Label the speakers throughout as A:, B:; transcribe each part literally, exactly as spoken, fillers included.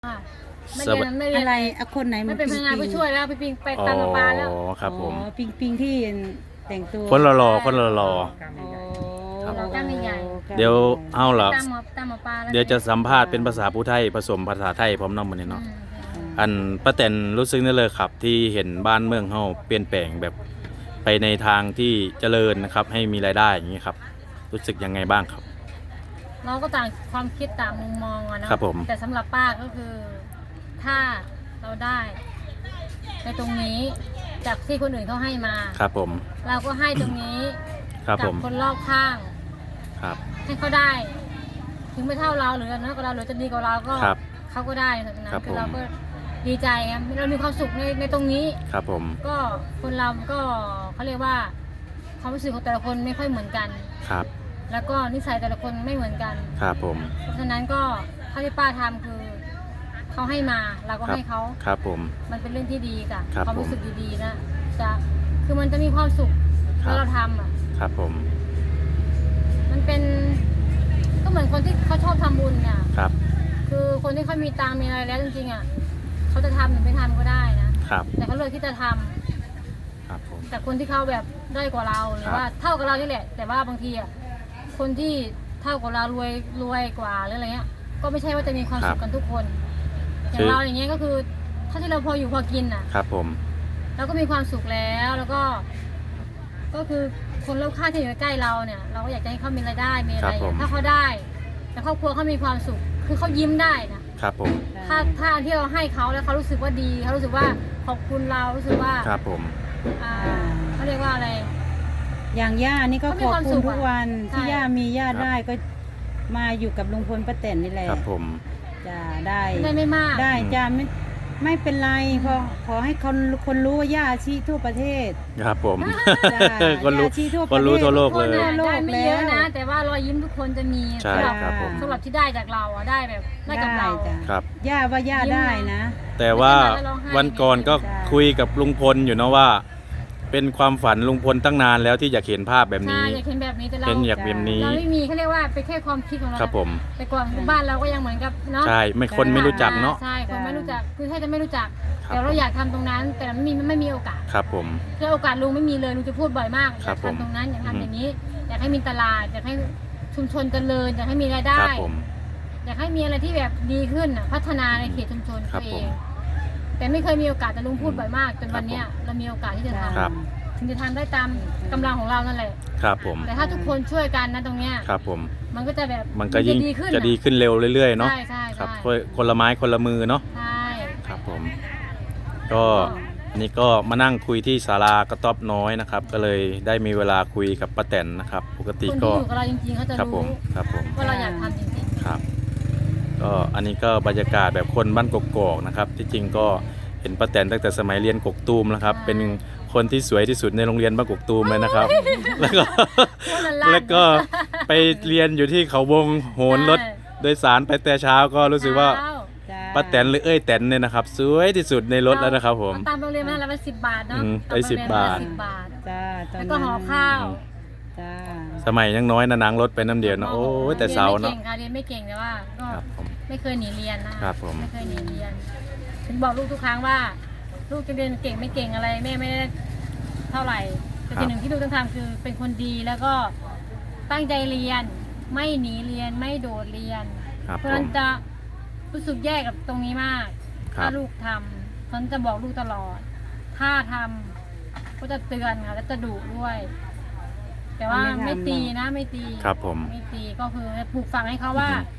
A: ค่ะไม่
B: ส
A: เรีย
B: วัส
A: นไม่เรียน
C: อะไรอะคนไหน
A: ไม่เป็นพนักงานผู้ช่วยแล้วไปปิงไปตามปลาแล้ว
B: อ๋อครับผม
C: อ๋อปิงปิงที่แต่งตัว
B: คนรอๆคนรอ
C: อ๋อ
B: ครับ
A: เราจ้างใหญ่
B: เดี๋ยวเอาล่ะ
A: ตามหมอตามหมอปลาแล้ว
B: เดี๋ยวจะสัมภาษณ์เป็นภาษาผู้ไทยผสมภาษาไทยพร้อมน้องมื้อนี้
A: อื
B: เนาะ
A: ม
B: อันป้าแตนรู้สึกนั่นเลยครับที่เห็นบ้านเมืองเฮาเปลี่ยนแปลงแบบไปในทางที่เจริญนะครับให้มีรายได้อย่างนี้ครับรู้สึกยังไงบ้างครับ
A: เราก็ต่างความคิดต่างมุมมองอะเนาะ
B: ครับผม
A: แต่สำหรับป้าก็คือถ้าเราได้ในตรงนี้จากที่คนอื่นเขาให้มา
B: ครับผม
A: เราก็ให้ตรงนี้
B: ครับ
A: กั
B: ผม
A: คนรอบข้าง
B: ครับ
A: ให้เขาได้ ถึงไม่เท่าเราหรือน้อยกว่าเราหรือจะดีกว่าเราก็
B: ครับ
A: เขาก็ได้แบบนั้น
B: ครับ
A: คือเรา
B: ผม
A: ก็ดีใจครับเรามีความสุขในในตรงนี้
B: ครับผม
A: ก็คนเราก็เขาเรียกว่าความรู้สึกของแต่ละคนไม่ค่อยเหมือนกัน
B: ครับ
A: แล้วก็นิสัยแต่ละคนไม่เหมือนกัน
B: ครับผม
A: เพราะฉะนั้นก็ถ้าที่ป้าทำคือเขาให้มาเราก็
B: ครับ
A: ให้เขา
B: ครับผม
A: มันเป็นเรื่องที่ดีจ้ะ
B: ครับ
A: ความรู้สึก
B: ผม
A: ดีๆนะจะคือมันจะมีความสุข
B: ครั
A: เมื่
B: บ
A: อเราทำอ่ะ
B: ครับผม
A: มันเป็นก็เหมือนคนที่เขาชอบทำบุญเนี่ย
B: ครับ
A: คือคนที่เขามีตังค์มีอะไรแล้วจริงๆอ่ะเขาจะทำหรือไม่ทำก็ได้นะครับ แต่เขาเลือกที่จะทำ
B: ครับผม
A: แต่คนที่เขาแบบได้กว่าเราหรือ
B: ครับ
A: ว่าเท่ากับเรานี่แหละ แต่ว่าบางทีอ่ะคนที่เท่ากับเรารวยรวยกว่าหรืออะไรเงี้ย ก็ไม่ใช่ว่าจะมีความสุขกันทุกคน อย่างเราอย่างเงี้ยก็คือถ้าที่เราพออยู่พอกินอ่ะ
B: ครับผม
A: เราก็มีความสุขแล้วแล้วก็ ก็คือคนรอบข้างที่อยู่ใกล้เราเนี่ย เราก็อยากจะให้เขามีรายได้มีอะไรอย่างเงี้ยถ้าเขาได้ แต่ครอบครัวเขามีความสุข คือเขายิ้มได้นะครับ
B: ผม
A: ถ้าถ้าอันที่เราให้เขาแล้วเขารู้สึกว่าดีเขารู้สึกว่าขอบคุณเรารู้สึกว่า
B: ครับผม
A: อ่าเขาเรียกว่าอะไร
C: อย่างย่านี่ก็
A: เขา
C: ข
A: มี
C: อบ
A: ความ
C: คุ
A: สุ
C: ณ
A: ข
C: ทุกวัน
A: ใช่
C: ที่ย่ามีย่า
B: ครับ
C: ได้ก็มาอยู่กับลุงพลป้าแตนนี่แหละ
B: ครับผม
C: จะได้
A: ได้ไม่มาก
C: ได้จะไม่ไม่เป็นไรขอขอให้คนคนรู้ว่าย่าอาชีทั่วประเทศ
B: ครับผม
C: จ้า
B: คนรู้
C: ย่าชี้ทั่ว
B: คนรู้
C: ประเทศ
B: ทั่วโลก
A: คน
B: เลย
A: น่ะ
C: โลก
A: ได้ไม่เยอะ
C: แล้ว
A: นะ แต่ว่ารอยยิ้มทุกคนจะมี
B: ใช่
A: สำหรับ
B: ครับผม
A: สำหรับที่ได้จากเราอะได้แบบได้กับ
C: ได้
A: เรา
C: จ้ะ
B: ครับ
C: ย่าว่าย่าได้นะ
B: แต่ว่า
A: ไม่ใช่มาแล้วร้องไห้
B: วันก่อนก็
C: จ้ะ
B: คุยกับลุงพลอยู่เนาะว่า เป็นความฝันลุงพลตั้งนานแล้วที่อยากเห็นภาพแบบ
A: ใช่
B: นี้
A: อยากเห็นแบบนี้แต่เรา
B: เห็นอยากแบบนี้
A: เราไม่มีเขาเรียกว่าเป็นแค่ความคิดของเรา
B: ครับผม
A: แต่ก่อนบ้านเราก็ยังเหมือนกับเนาะ
B: ใช่ไม่คนไม่รู้จักเนาะ
A: ใช่คนไม่รู้จักคือแค่จะไม่รู้จัก
B: ครับ
A: แต่เราอยากทำตรงนั้น แต่ไม่มีไม่มีโอกาส
B: ครับผม
A: คือโอกาสลุงไม่มีเลยลุงจะพูดบ่อยมากอ
B: ครั
A: ยา
B: บ
A: ก
B: ผม
A: ทำตรงนั้นอยาก
B: อืม
A: ทำอย่างนี้ อยากให้มีตลาดอยากให้ชุมชนเจริญอยากให้มีรายได้
B: ครับผม
A: อยากให้มีอะไรที่แบบดีขึ้นน่ะพัฒนาในเขตชุมชน
B: ครั
A: ตั
B: บ
A: วเอ
B: ผม
A: ง แต่ไม่เคยมีโอกาสแต่ลุงพูดบ่อยมากจนวันเนี้ย
B: ครับผม
A: เรามีโอกาสที่จะท
B: ครับ
A: ำถึงจะทำได้ตามกำลังของเรานั่นแหละ
B: ครับผม
A: แต่ถ้าทุกคนช่วยกันนะตรงเนี้ย
B: ครับผม
A: มันก็จะแบบ
B: มันก็ยิ่ง
A: จะดีขึ้น
B: จะดีขึ้นเร็วเรื่อยๆเนาะ
A: ใช่ใช่
B: ครับ
A: ใช่
B: คนคนละไม้คนละมือเนาะ
A: ใช่
B: ครับผม ก็อันนี้ก็มานั่งคุยที่ศาลากระต๊อบน้อยนะครับ ก็เลยได้มีเวลาคุยกับป้าแตนนะครับ ปกติ
A: คน
B: ก็
A: ที่อยู่กับเราจริงๆเขาจะ
B: ครับผ
A: รู้
B: มครับผม
A: ว่าเราอยากทำจริง
B: ครับ ก็อันนี้ก็บรรยากาศแบบคนบ้านกกอกนะครับ ที่จริงก็เห็นป้าแตนตั้งแต่สมัยเรียนกกตูมแล้วครับ เป็นคนที่สวยที่สุดในโรงเรียนบ้านกกตูมเลยนะครับ แล้วก็
A: ๆว่าละลาน
B: แล้วก็ไปเรียนอยู่ที่เขาวงโหนรถโดยสารไปแต่เช้าก็รู้สึกว่า
A: เช้
C: จ้า
B: ป้าแตนหรือเอ้ยแตนเนี่ยนะครับ สวยที่สุดในรถแล้วนะครับผม
A: เอาตามโรงเรียนมาแล้วเป็นสิบบาทเนาะ
B: อืม
A: ตามโรงเรียน
B: ได้สิบบาท
A: สิบบาท
C: จ้าตอน
A: แล้ว
C: นั้น
A: ก็ห่อข้าว
C: จ้า
B: สมัยยังน้อยนะนางรถไปน้ำเดียวนะโอ้ยแต่เสาเนาะ
A: เรียนไม่เก่งค่ะเรียนไม่เก่งแต่ว่าก็
B: ครับผม
A: ไม่เคยหนีเรียนนะครับ
B: ผม
A: ไม่เคยหนีเรียน ถึงบอกลูกทุกครั้งว่า ลูกจะเรียนเก่งไม่เก่งอะไรแม่ไม่ได้เท่าไหร่แต่สิ่งหนึ่งที่ลูกต้องทำคือเป็นคนดีแล้วก็ตั้งใจเรียน ไม่หนีเรียนไม่โดดเรียน
B: ครับ
A: เพ
B: ผ
A: ราะฉะนั้
B: ม
A: นจะรู้สึกแย่กับตรงนี้มาก
B: ครับ
A: ถ้าลูกทำฉันจะบอกลูกตลอด ถ้าทำก็จะเตือนค่ะแล้วจะดุด้วย แต่ว่าไม่ตีนะไม่ตี
B: ครับผม
A: ไม่ตีก็คือปลูกฝังให้เขาว่า
B: อือฮึ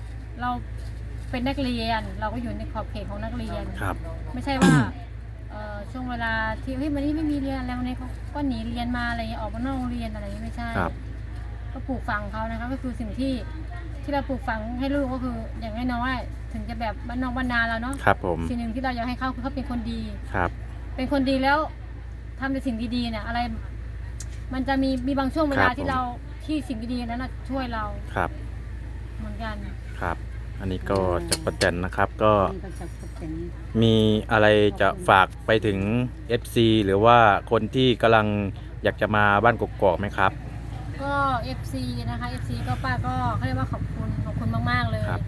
A: เราเป็นนักเรียน เราก็อยู่ในขอบเขตของนักเรียน
B: ครับ
A: ไม่ใช่ว่าเอ่อช่วงเวลาที่เฮ้ยวันนี้ไม่มีเรียนอะไรวันนี้เขาก็หนีเรียนมาอะไรเงี้ยออกมานอกโรงเรียนอะไรอย่างงี้ไม่ใช่
B: ครับ
A: ก็ปลูกฝังเขานะคะก็คือสิ่งที่ที่เราปลูกฝังให้ลูกก็คืออย่างน้อยๆถึงจะแบบบ้านนอกบ้านนาเราเนาะ
B: ครับผม
A: สิ่งหนึ่งที่เราอยากให้เขาคือเขาเป็นคนดี
B: ครับ
A: เป็นคนดีแล้วทำในสิ่งดีๆเนี่ยอะไร มันจะมีมีบางช่วงเวลาที่เราที่สิ่งดีๆนั้นนะช่วยเรา
B: ครับ
A: เหมือนกัน
B: ครับ อันนี้ก็จากป้าแตนนะครับก็
C: นี่ก็จะเป็น
B: มีอะไรจะฝากไปถึง เอฟ ซี หรือว่าคนที่กำลังอยากจะมาบ้านกกอกไหมครับ
A: ก็ เอฟ ซี นะคะ เอฟ ซี ก็ป้าก็เขาเรียกว่าขอบคุณขอบคุณมากๆเลย
B: ครับ
A: ท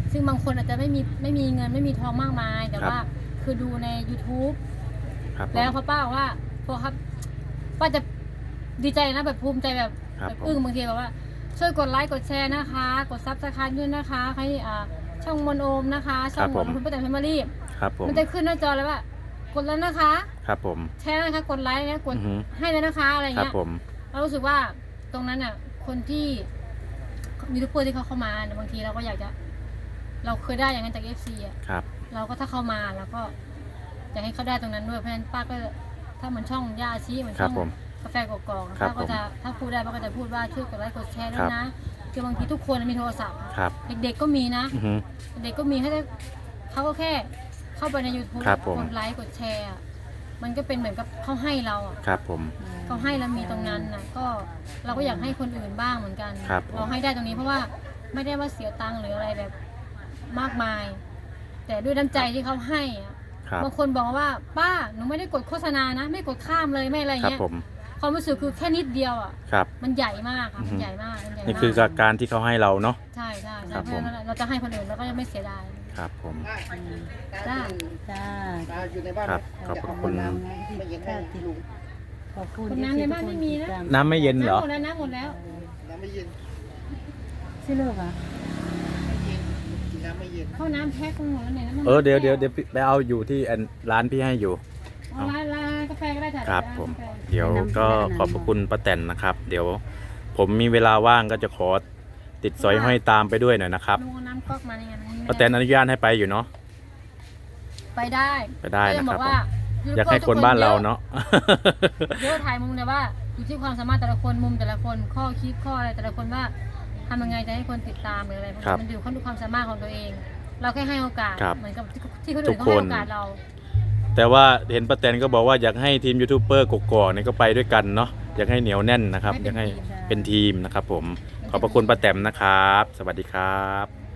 A: ซึ่งบางคนอาจจะไม่มีไม่มีเงินไม่มีทองมากมาย แต่ว่าคือดูใน YouTube
B: ครับผม
A: แล้วพอป้าบอกว่าพอครับป้าจะดีใจนะแบบภูมิใจแบบ
B: ครับ
A: แบบ
B: ผม
A: อึ้งบางทีแบบว่าช่วยกดไลค์กดแชร์นะคะ กดซับสไครต์ด้วยนะคะให้อ่าช่องมนโอมนะคะช่องของคุณป้าแตนแฟมิลี่
B: ครับผม
A: มันจะขึ้นหน้าจอเลยว่ากดแล้วนะคะ
B: ครับผม
A: แชร์นะคะกดไลค์นะกด
B: อือฮึ
A: ให้เลยนะคะอะไร
B: ครับ
A: เงี้ย
B: ผม
A: เรารู้สึกว่าตรงนั้นอ่ะคนที่ยูทูบเบอร์ที่เขาเข้ามาเนี่ยบางทีเราก็อยากจะ เราเคยได้อย่างนั้นจากเอฟซีอ่ะ
B: ครับ
A: เราก็ถ้าเข้ามาแล้วก็อยากให้เขาได้ตรงนั้นด้วยเพราะฉะนั้นป้าก็ถ้าเหมือนช่องย่าอาชีเหมือน
B: ครั
A: ช่
B: บ
A: อง
B: ผม
A: กาแฟกอกๆ
B: ครับ
A: ป้าก็จะถ้าพูดได้ป้าก็จะพูดว่าช่วยกดไลค์กดแชร์ด้ว
B: ครั
A: ย
B: บ
A: นะคือบางทีทุกคนมีโทรศัพท์อะ
B: ครับ
A: เด็กๆก็มีนะ
B: อือฮึ
A: เด็กก็มีให้ได้เขาก็แค่เข้าไปใน YouTube
B: ครับผม
A: กดไลค์กดแชร์อะมันก็เป็นเหมือนกับเขาให้เราอะ
B: ครับผม
A: เขาให้เรามีตรงนั้นนะก็เราก็อยากให้คนอื่นบ้างเหมือนกัน
B: ครับผม
A: เราให้ได้ตรงนี้เพราะว่าไม่ได้ว่าเสียตังค์หรืออะไรแบบมากมาย แต่ด้วยน้ำใจที่เขาให้อะ
B: ครับ
A: บางคนบอกว่าป้าหนูไม่ได้กดโฆษณานะ ไม่กดข้ามเลยไม่อะไร
B: ครับ
A: เงี้ย
B: ผม
A: ความรู้สึกคือแค่นิดเดียวอ่ะ
B: ครับ
A: มันใหญ่มากค่ะ
B: อือฮึ
A: มันใหญ่มากมันใหญ่
B: นี่
A: มาก
B: คือการที่เขาให้เราเนาะ
A: ใช่ใช่
B: ครั
A: ใช่
B: บ
A: เพราะฉะนั้นเราจะให้คนอื่นเราก็จะไม่เสียดาย
B: ครับผม
A: จ้า
C: จ้า
D: ตาอยู่ในบ้าน
B: ครับขอบคุณ
C: น้ำไงที่
D: ไม่เย็น
C: ข้า
D: ให้
C: วติด
D: ลุง
C: ขอบคุณ
A: คนน้ำในบ้านไม่มีนะ
B: น้ำไม่เย็นเหรอ
A: น้ำหมดแล้วน้ำหมดแล้ว
D: น้ำไม่เย็น
C: ชื่อเลิกอ่ะ
D: กินน้ำไม่เย็น
A: เข้าน้ำแพ็คหมดแล้วเนี่ยน้ำมัน
B: เออเดี๋ยวเดี๋ยวเดี๋ยวไปเอาอยู่ที่อันร้านพี่ให้อยู่
A: เอาร้านร้านกาแฟก็ได้จ้ะ
B: ครับ
A: าน
B: ผม
A: กาแฟ
B: เดี๋ยวก็ขอบพระคุณป้าแตนนะครับ เดี๋ยวผมมีเวลาว่างก็จะขอติดสอยห้อยตามไปด้วยหน่อยนะครับ
A: ลุงเอาน้ำก๊อกมาเนี่ยมันไม่ได้
B: ป้าแตนอนุญาตให้ไปอยู่เนาะ
A: ไปได้
B: ไปได้นะครับ
A: ก็ยังอกว่า
B: อยากให้คนบ้านเราเนาะ
A: เยอะถ่ายมุมแต่ว่าอยู่ที่ความสามารถแต่ละคนมุมแต่ละคนข้อคิดข้ออะไรแต่ละคนว่าทำยังไงจะให้คนติดตามหรืออะไรพวก
B: ครับ
A: นี้มันอยู่ที่ความสามารถของตัวเอง เราแค่ให้โอกาส
B: ครับ
A: เหมือนกับที่คน
B: ทุ
A: อื่
B: ก
A: นเขา
B: ค
A: ให้
B: น
A: โอกาสเรา
B: แต่ว่าเห็นป้าแตนก็บอกว่าอยากให้ทีมยูทูบเบอร์กกอกเนี่ยก็ไปด้วยกันเนาะอยากให้เหนียวแน่นนะครับ อยากให้เป็นทีมนะครับผมขอบพระคุณป้าแตนนะครับ สวัสดีครับ